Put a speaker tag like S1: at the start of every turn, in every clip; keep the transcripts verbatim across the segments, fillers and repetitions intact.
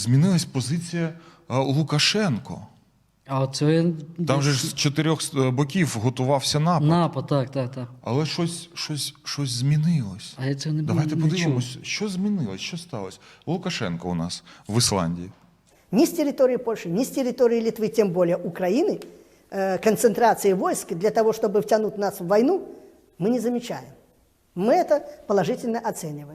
S1: Змінилась позиція а, Лукашенко.
S2: А це
S1: Там же ж з чотирьох боків готувався напад.
S2: напад, так, так, так.
S1: Але щось, щось, щось змінилось.
S2: А я це не
S1: Давайте
S2: не
S1: подивимось,
S2: чув.
S1: що змінилось, що сталося. Лукашенко у нас в Ісландії.
S3: Ни с территории Польши, ни с территории Литвы, тем более Украины, э, концентрации войск для того, чтобы втянуть нас в войну, мы не замечаем. Мы это положительно оцениваем.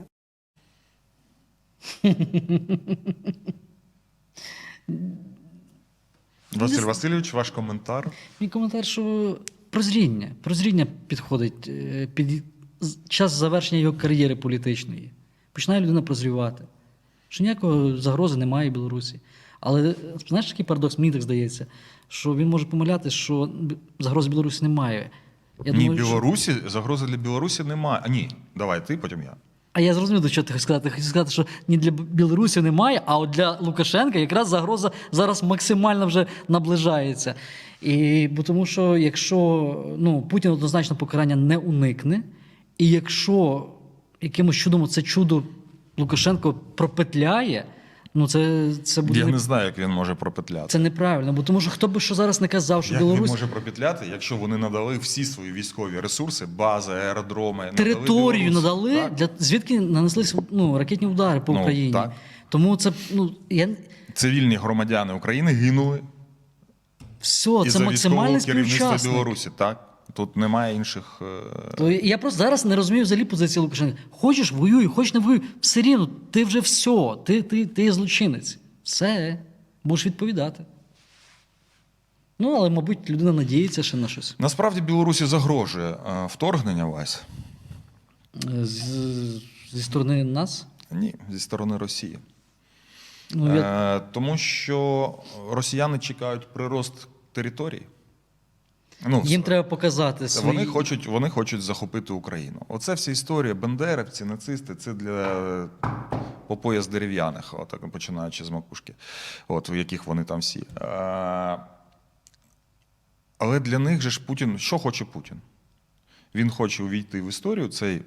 S1: Василь Васильович, ваш коментар.
S2: Мій коментар, що прозріння. Прозріння підходить е, під з- час завершення його кар'єри політичної. Починає людина прозрівати. Що ніякої загрози немає Білорусі. Але знаєш, такий парадокс, мені так здається, що він може помиляти, що б- загрози Білорусі немає. Я
S1: Ні,
S2: думаю, що-
S1: Білорусі, загрози для Білорусі немає. А ні, давай ти, потім я.
S2: А я зрозумів, до чого ти хотів сказати. Хотів сказати, що ні для Білорусі немає, а от для Лукашенка якраз загроза зараз максимально вже наближається. І, бо тому що якщо ну, Путін однозначно покарання не уникне, і якщо якимось чудом це чудо Лукашенко пропетляє, ну це, це буде
S1: Я
S2: не-
S1: не знаю, як він може пропетляти.
S2: це неправильно. Бо тому що хто би що зараз не казав, що
S1: Як він
S2: Білорусь
S1: може пропетляти, якщо вони надали всі свої військові ресурси, бази, аеродроми, надали
S2: територію
S1: Білорусі?
S2: надали,
S1: Так.
S2: для звідки нанеслись ну, ракетні удари по
S1: Ну,
S2: Україні.
S1: так.
S2: Тому це ну я
S1: Цивільні громадяни України гинули
S2: все,
S1: і
S2: це
S1: за
S2: максимальний
S1: військового керівництва
S2: співучасник.
S1: Білорусі. Так, тут немає інших. е,
S2: То я просто зараз не розумію взагалі позиції Лукашенка. Хочеш воюй, хочеш не воюй, все рівно, ти вже все, ти, ти, ти є злочинець. Все, будеш відповідати. Ну, але, мабуть, людина надіється ще на щось.
S1: Насправді Білорусі загрожує е, вторгнення Вась.
S2: З, зі сторони нас.
S1: Ні, зі сторони Росії.
S2: Ну, я,
S1: Е, тому що росіяни чекають прирост територій. Ну,
S2: їм треба показати свої...
S1: Вони хочуть, вони хочуть захопити Україну. Оце вся історія бендерівці, нацисти, це для по пояс дерев'яних, отак, починаючи з макушки, от, в яких вони там всі. А, але для них же ж Путін, що хоче Путін? Він хоче увійти в історію, цей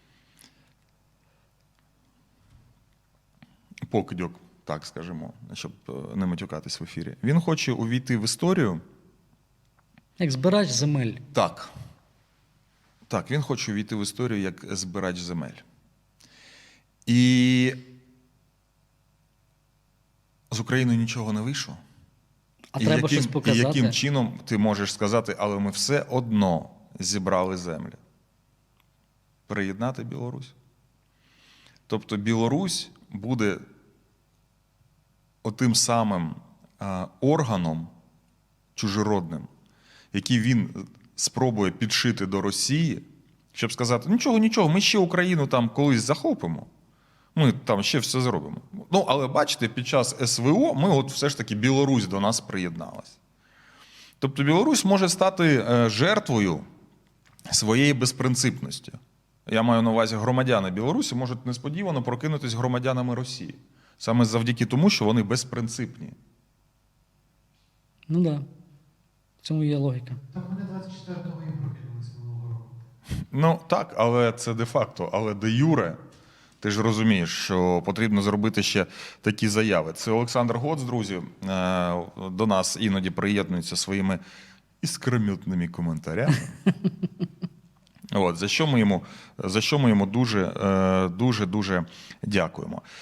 S1: покидьок, так скажімо, щоб не матюкатись в ефірі. Він хоче увійти в історію.
S2: Як збирач земель.
S1: Так. Так, він хоче увійти в історію як збирач земель. І з Україною нічого не вийшло.
S2: А
S1: і
S2: треба
S1: яким,
S2: щось показати.
S1: І яким чином ти можеш сказати, але ми все одно зібрали землі? Приєднати Білорусь? Тобто Білорусь буде отим самим а, органом чужородним, який він спробує підшити до Росії, щоб сказати, нічого, нічого, ми ще Україну там колись захопимо, ми там ще все зробимо. Ну, але бачите, під час ес ве о ми от все ж таки Білорусь до нас приєдналась. Тобто Білорусь може стати жертвою своєї безпринципності. Я маю на увазі, громадяни Білорусі можуть несподівано прокинутися громадянами Росії. Саме завдяки тому, що вони безпринципні.
S2: Ну так. Да. В цьому є логіка.
S4: Так вони двадцять четвертого і прокинулись минулого року.
S1: Ну так, але це де-факто. Але де-юре, ти ж розумієш, що потрібно зробити ще такі заяви. Це Олександр Гоц, друзі, е, до нас іноді приєднується своїми іскрометними коментарями. От, за що ми йому, за що ми йому дуже, е, дуже, дуже дякуємо.